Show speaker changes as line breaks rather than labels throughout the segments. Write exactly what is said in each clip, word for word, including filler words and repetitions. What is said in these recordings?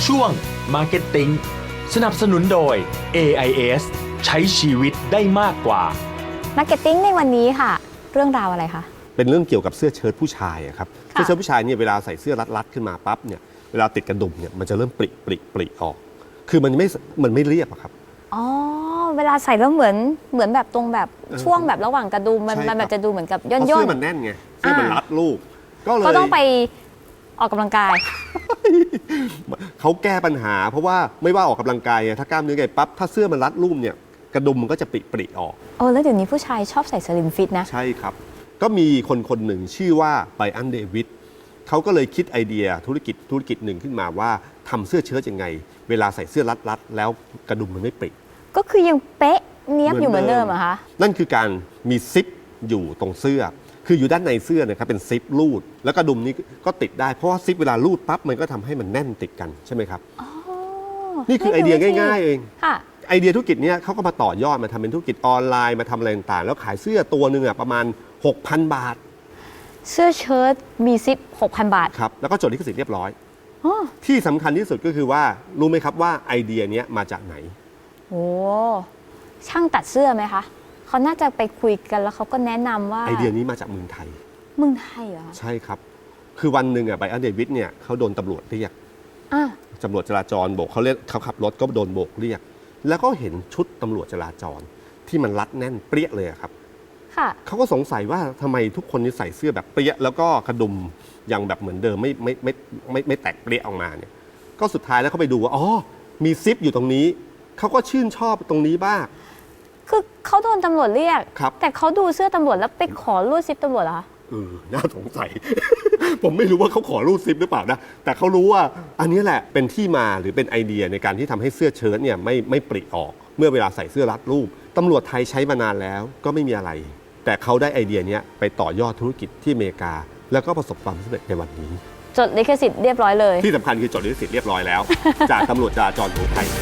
ช่วง Marketing สนับสนุนโดย เอ ไอ เอส ใช้ชีวิตได้มากกว่า
Marketing ในวันนี้ค่ะเรื่องราวอะไรคะ
เป็นเรื่องเกี่ยวกับเสื้อเชิ้ตผู้ชายครับเสื้อเชิ้ตผู้ชายเนี่ยเวลาใส่เสื้อรัดๆขึ้นมาปั๊บเนี่ยเวลาติดกระดุมเนี่ยมันจะเริ่มปริปริปริออกคือมันไม่มันไม่เรียบอะครับ
อ๋อเวลาใส่แล้วเหมือนเหมือนแบบตรงแบบช่วงแบบระหว่างกระดุมมันมันแบบจะดูเหมือนกับย่นๆ
เสื้อมันแน่นไงเสื้อมันรัดรูปก็เลย
ก็ต้องไปออกกำลังกาย
เขาแก้ปัญหาเพราะว่าไม่ว่าออกกำลังกายถ้ากล้ามเนื้อไงปั๊บถ้าเสื้อมันรัดรูปเนี่ยกระดุมมันก็จะปริปริออก
โอ้แล้วเดี๋ยวนี้ผู้ชายชอบใส่สลิมฟิตนะ
ใช่ครับก็มีคนคนหนึ่งชื่อว่าไบรอันเดวิดเขาก็เลยคิดไอเดียธุรกิจธุรกิจหนึ่งขึ้นมาว่าทำเสื้อเชิ้ตยังไงเวลาใส่เสื้อรัดๆแล้วกระดุมมันไม่ปริ
ก็คือยังเป๊ะเนี้ยบอยู่เหมือนเดิมเหรอคะ
นั่นคือการมีซิปอยู่ตรงเสื้อคืออยู่ด้านในเสื้อนะครับเป็นซิปรูดแล้วกระดุมนี้ก็ติดได้เพราะว่าซิปเวลารูดปั๊บมันก็ทำให้มันแน่นติดกันใช่ไหมครับนี่คือไอเดียง่ายๆเองไอเดียธุรกิจนี้เขาก็มาต่อยอดมาทำเป็นธุรกิจออนไลน์มาทำอะไรต่างๆแล้วขายเสื้อตัวหนึ่งประมาณ หกพัน บาท
เสื้อเชิ้ตมีซิป หกพัน บาท
ครับแล้วก็จดลิขสิทธิ์เรียบร้อยที่สำคัญที่สุดก็คือว่ารู้ไหมครับว่าไอเดียนี้มาจากไหน
โอ้ช่างตัดเสื้อไหมคะเขาน่าจะไปคุยกันแล้วเขาก็แนะนำว่า
ไอเดียนี้มาจากเมืองไทย
เมืองไทยเหรอ
ใช่ครับคือวันหนึ่งอ่ะไบรอันเดวิดเนี่ยเขาโดนตำรวจเรียกตำรวจจราจรโบกเขาเรียกเขาขับรถก็โดนโบกเรียกแล้วก็เห็นชุดตำรวจจราจรที่มันรัดแน่นเปรี้ยเลยครับเขาก็สงสัยว่าทำไมทุกคนนี่ใส่เสื้อแบบเปรี้ยแล้วก็กระดุมยังแบบเหมือนเดิมไม่ไม่ไม่ไม่ไม่แตกเปรี้ยออกมาเนี่ยก็สุดท้ายแล้วเขาไปดูว่าอ๋อมีซิปอยู่ตรงนี้เขาก็ชื่นชอบตรงนี้บ้าง
คือเขาโดนตำรวจเรียกแต่เขาดูเสื้อตำรวจแล้วไปขอรูดซิปตำรวจเหรอ
เออน่าสงสัย ผมไม่รู้ว่าเขาขอรูดซิปหรือเปล่านะแต่เขารู้ว่าอันนี้แหละเป็นที่มาหรือเป็นไอเดียในการที่ทำให้เสื้อเชิ้ตเนี่ยไม่ไม่ปริออกเมื่อเวลาใส่เสื้อรัดรูปตำรวจไทยใช้มานานแล้วก็ไม่มีอะไรแต่เขาได้ไอเดียนี้ไปต่อยอดธุรกิจที่อเมริกาแล้วก็ประสบความสำเร็จในวันนี้
จดลิขสิทธิ์เรียบร้อยเลย
ที่สำคัญคือจดลิขสิทธิ์เรียบร้อยแล้ว จากตำรวจจราจรของไทย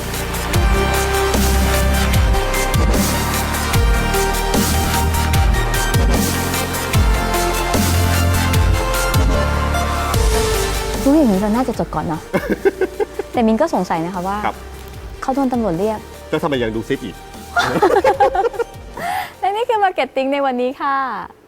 รู้อย่างนี้เราน่าจะจดก่อนเนาะ แต่มินก็สงสัยนะคะว่าเขาโดนตำรวจเรียก
แล้วทำไมยังดูซิปอีก
และนี่คือ Marketing ในวันนี้ค่ะ